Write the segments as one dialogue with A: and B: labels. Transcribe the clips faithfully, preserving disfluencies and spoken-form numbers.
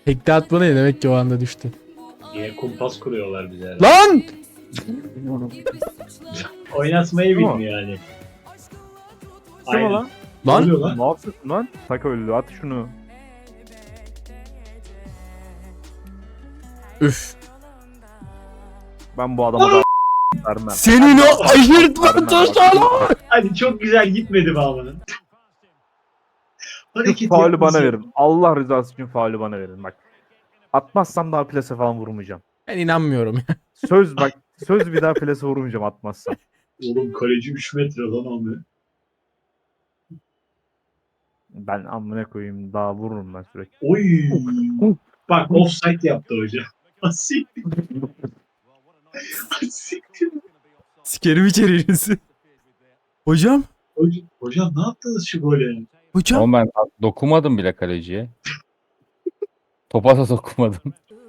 A: Tekte atma ne demek ki o anda düştü.
B: Yine kumpas kuruyorlar bize.
A: Lan!
B: Oynatmayı
C: Tamam.
B: bilmiyor yani.
C: Kim o
B: Aynen.
C: lan?
B: Ne
A: Lan!
B: oluyor lan?
C: Ne yapıyorsun lan? Tak öldü, at şunu.
A: Üf.
C: Ben bu adama da vermem.
A: Senin o ayırtma
C: Vermem,
A: taşlar!
B: Hadi çok güzel gitmedi mi amanın?
C: Şu faulü bana verin. Allah rızası için faulü bana verin bak. Atmazsam daha plase falan vurmayacağım.
A: Ben inanmıyorum ya.
C: Söz bak, söz bir daha plase vurmayacağım atmazsam.
B: Oğlum kaleci üç metre lan abi.
C: Ben amına koyayım, daha vururum ben sürekli.
B: Oy. Bak offside yaptı hoca. Asiktir. Asiktir.
A: Sikerim içeriğinizi. Hocam?
B: Hocam, hocam ne yaptınız şu gole?
A: Hocam?
D: Ama ben dokunmadım bile kaleciye. Topa da dokunmadım.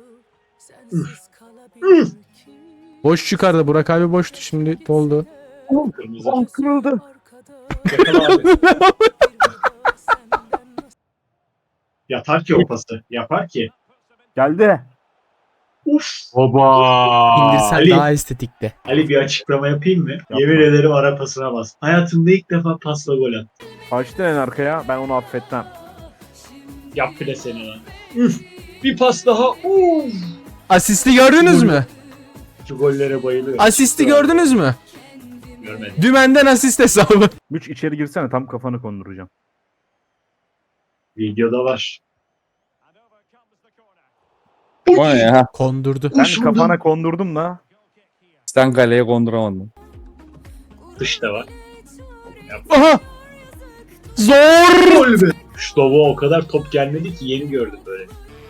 A: Boş çıkardı. Burak abi boştu. Şimdi doldu.
B: Kırmızı.
C: Oh, kırıldı.
B: Yakala abi. Yatar ki o pası. Yapar ki.
C: Geldi.
B: Uf.
D: Oba.
A: İndirsen
B: Ali.
A: daha estetikti.
B: Ali bir açıklama yapayım mı?
C: Yapma.
B: Yemin ederim ara pasına bas. Hayatımda ilk defa pasla gol attım.
C: Açtı en arkaya, ben onu affetmem.
B: Yap bile seni lan. Üf. Bir pas daha. Uf.
A: Asisti gördünüz mü?
B: Şu gollere bayılıyorum.
A: Asisti gördünüz mü?
B: Görmedim.
A: Dümenden asist hesabı.
C: Müç içeri girsene, tam kafanı konduracağım.
B: Videoda var.
D: O ne ya?
A: Kondurdu.
C: Ben
B: Uş vurdum.
C: kafana kondurdum da.
D: Sen kaleye konduramadın.
B: Dışta var.
A: Aha! Zor!
B: Gol be. Şu topa o kadar top gelmedi ki yeni gördüm böyle.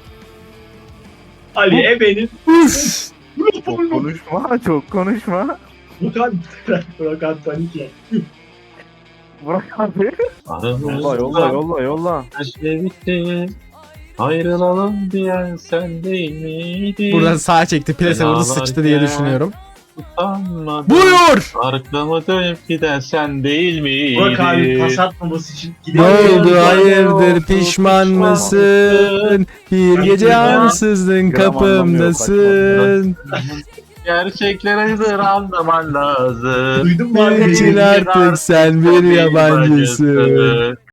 B: Ali Ebe'nin
A: Üf!
C: Çok konuşma, çok konuşma.
B: Burak Burak panik ya.
C: Bırak abi. Yolla, yolla, yolla, yolla.
E: bitti. Ayrılalım diyen sen değil miydin?
A: Buradan sağa çekti. Plase vurdu sıçtı diye düşünüyorum.
E: Utanmadan
A: Buyur!
E: arkamı dönüp giden sen değil miydin?
B: Burak abi pas atmaması için
A: Ne
B: gidiyor.
A: oldu hayırdır pişman mısın? Bir gece ansızdın kapımdasın.
E: Gerçekleri anlaman lazım.
B: Duydun mu abi?
A: Niçin artık sen bir yabancısın?